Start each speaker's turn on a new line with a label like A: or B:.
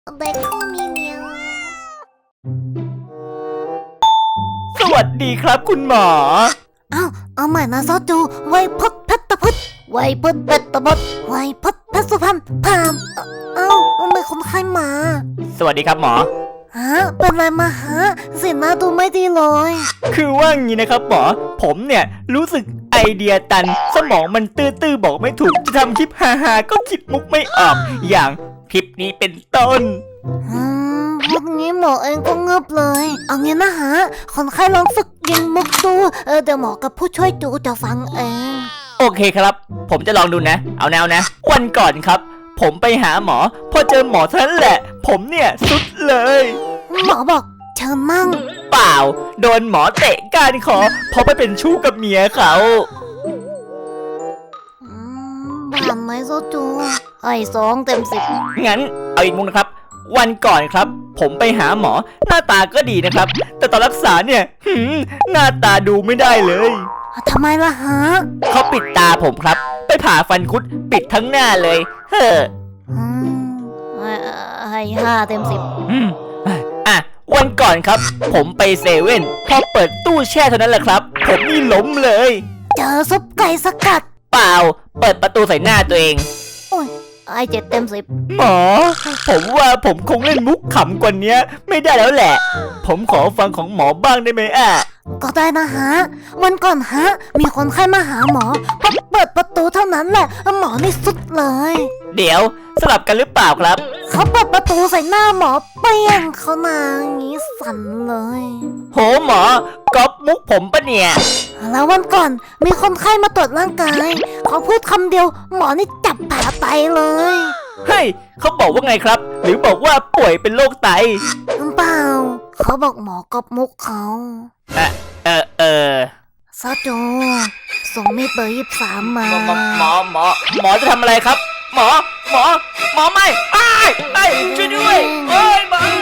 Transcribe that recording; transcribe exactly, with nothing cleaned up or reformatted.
A: เด็กคู่มีเมียว
B: สวัสดีครับคุณหมอ
A: อ้าวเอาใหม่นะซอจูไวพดเพชรพุทธไวพดเพชรพุทธไวพดเพชรสุพรรณพามเอ้าไม่คนไข้มา
B: สวัสดีครับหมอ
A: ฮะเป็นไรมาฮะสีหน้าดูไม่ดีเลย
B: คือว่างี้นะครับหมอผมเนี่ยรู้สึกไอเดียตันสมองมันตื้อๆบอกไม่ถูกจะทำคลิปฮาๆก็คิดมุกไม่ออกอย่างคลิปนี้เป็นต้น
A: อืมพวกนี้หมอเองก็เงือบเลยเอางี้นะฮะคนไข้ลองฝึกยิงมุกดูเออเดี๋ยวหมอกับผู้ช่วยจูจะฟังเอง
B: โอเคครับผมจะลองดูนะเอาแนวนะวันก่อนครับผมไปหาหมอพอเจอหมอเท่านั้นแหละผมเนี่ยสุดเลย
A: หมอบอกเชิญนั่ง
B: เปล่าโดนหมอเตะก้านคอเพราะไปเป็นชู้กับเมียเขา
A: ผ่านไหมโซจูไอ้สองเต็มสิบ
B: งั้นเอาอีกมุมนะครับวันก่อนครับผมไปหาหมอหน้าตาก็ดีนะครับแต่ตอนรักษาเนี่ยหืมหน้าตาดูไม่ได้เลย
A: ทำไมล่ะฮะ
B: เขาปิดตาผมครับไปผ่าฟันคุดปิดทั้งหน้าเลยเฮ้อ
A: ให้ห้าเต็มสิบ
B: อ่ะวันก่อนครับผมไปเซเว่นพอเปิดตู้แช่เท่านั้นแหละครับผมนี่ล้มเลย
A: เจอซุปไก่สกัด
B: เปล่าเปิดประตูใส่หน้าตัวเอง
A: โอ้ยไอเจ็ดเต็มสิบ
B: หมอผมว่าผมคงเล่นมุกขำกว่านี้ไม่ได้แล้วแหละผมขอฟังของหมอบ้างได้ไหมอ่ะ
A: ก็ได้นะฮะวันก่อนฮะมีคนไข้มาหาหมอพอเปิดประตูเท่านั้นแหละหมอนี่สุดเลย
B: เดี๋ยวสลับกันหรือเปล่าครับ
A: เขาเปิดประตูใส่หน้าหมอเปี้ยงเขามางี้สั่นเลย
B: โหหมอก๊อปมุกผมปะเนี่ย
A: แล้ววันก่อนมีคนไข้มาตรวจร่างกายเขาพูดคำเดียวหมอนี่จับผ่าไตเลย
B: เฮ้ยเขาบอกว่าไงครับหรือบอกว่าป่วยเป็นโรคไต
A: เปล่าเขาบอกหมอกอบมุกเขา
B: เออเออเออ
A: ซาโจส่งมีดเบอร์ยี่สิบสามมา
B: หมอหมอหมอหมอจะทำอะไรครับหมอหมอหมอไม่ไอ้ไอ้ช่วยด้วยเอ้ยหมอ